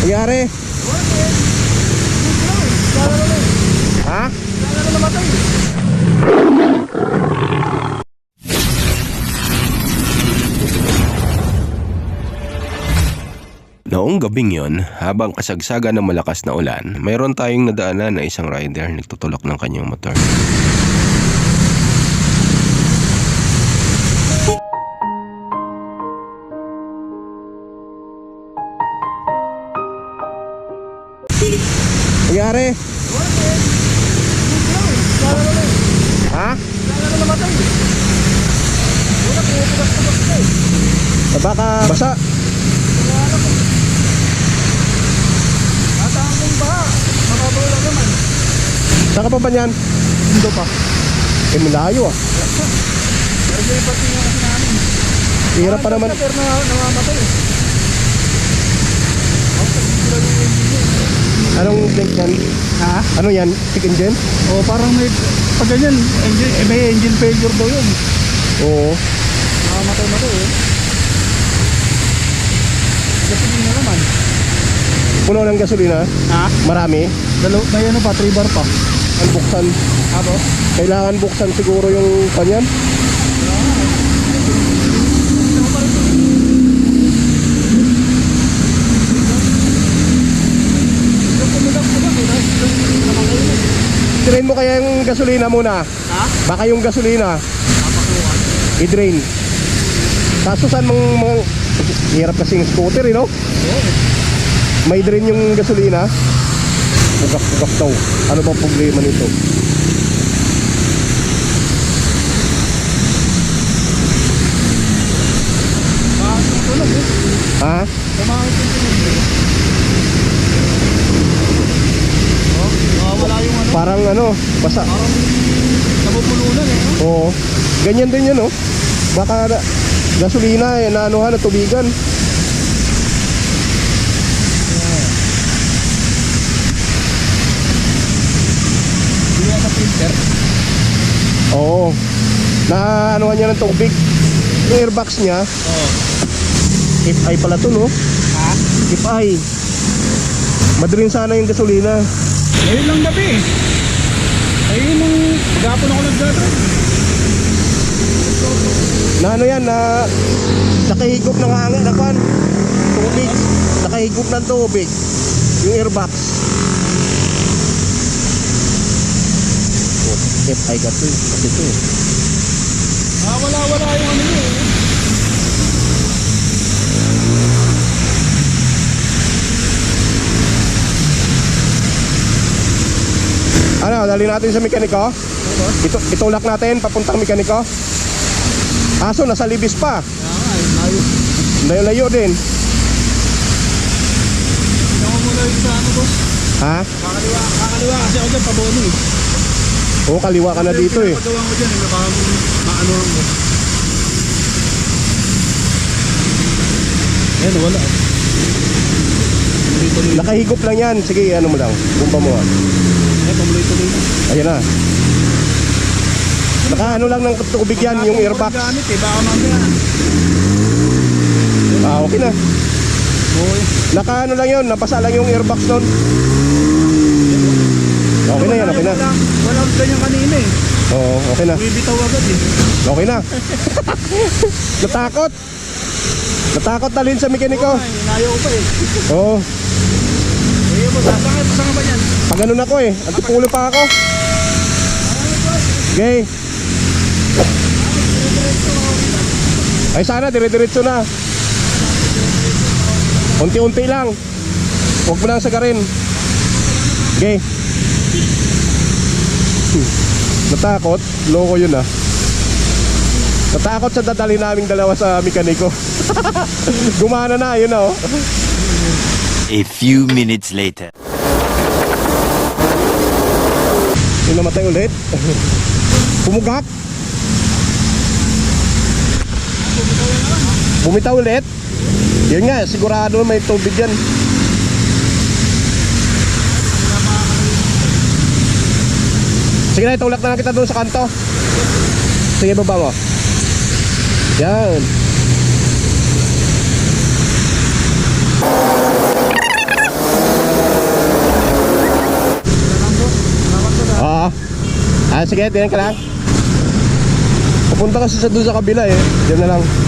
Nangyari? Ha? Noong gabing yon, habang kasagsagan ng malakas na ulan, mayroon tayong nadaanan na isang rider nagtutulak ng kanyang motor. Nangyari? Ha? Baka basa. Saan ka pa ba niyan? Indo pa. Malayo ah. Pero yung pati nga kasi namin. Hirap pa naman. Pero namamatay eh. Anong brake yan? Ha? Ano yan? Stick engine? O parang may pag ganyan, may engine failure daw yun. Oo. Namamatay eh. Kasi din na naman. Puno ng gasolina? Ha? Marami? May ano pa, 3 bar pa. Ang buksan. Abo? Kailangan buksan siguro yung kanyan. I-drain mo kaya yung gasolina muna. Ha? Baka yung gasolina i-drain. Kaso saan mga hirap kasing scooter no? May drain yung gasolina. Bugak-bugak daw. Ano ba problema nito? Tulog eh. Ha? Tumangit yung tulog eh. Wala yung ano. Parang ano, basa. Parang nabubulunan eh. No? Oo. Ganyan din yun, no? Baka gasolina, na anuhan, na tubigan. Hindi yan na filter. Oo. Na anuhan niya ng tubig. Yung airbox niya, Oo. FI pala to, no? Ha? FI. Madrin sana yung gasolina. Ngayon lang gabi eh. Ayun nung gapon ako nag-drive. Na ano yan, na nakahigop ng hangin, nakuan. Tubig. Nakahigop ng tubig. Yung airbox. Oh, FI kasi ito eh. Wala yung ano yun eh. Ano, dali natin sa mekaniko? Itulak natin papuntang mekaniko. Aso, nasa libis pa. Layo. Layo-layo din. Ako muna yung sa ano boss. Ha? Kakaliwa kasi ako dyan pabono eh. Oo, kaliwa ka na dito eh. Pinapagawa ko dyan eh. Baka maanuhan ko. Ayan, wala eh. Nakahigop lang yan. Sige, ano mo lang. Bumba mo ah. Ayan, pamuloy-tuloy na. Ayan na. Naka ano lang ng tubig yan, yung airbox. Gamit eh, baka mamaya. Okay na. Oo eh. Naka ano lang yun, napasa lang yung airbox nun. Okay na yan, okay na. Walang ganyan kanina eh. Oo, okay na. Bibitaw agad eh. Okay na. Natakot. Natakot dalhin sa mekaniko. Inayaw ko pa eh. Oo. Eh mo, sasangay ba yan? Pag ganun ako eh, antipulo pa ako. Okay. Ay sana, dire-diretso na. Unti-unti lang. Huwag mo lang sagarin. Okay. Natakot? Loko yun ah. Natakot sa dadali naming dalawa sa mekaniko. Gumana na, yun ah oh. A few minutes later. Yung namatay ulit. Pumugak. Bumitaw ulit. Yun nga, sigurado may tubig yan. Sige na, itulak na lang kita doon sa kanto. Sige, baba mo. Yan. Sige, tingnan ka lang. Pupunta kasi sa doon sa kabila eh. Diyan na lang.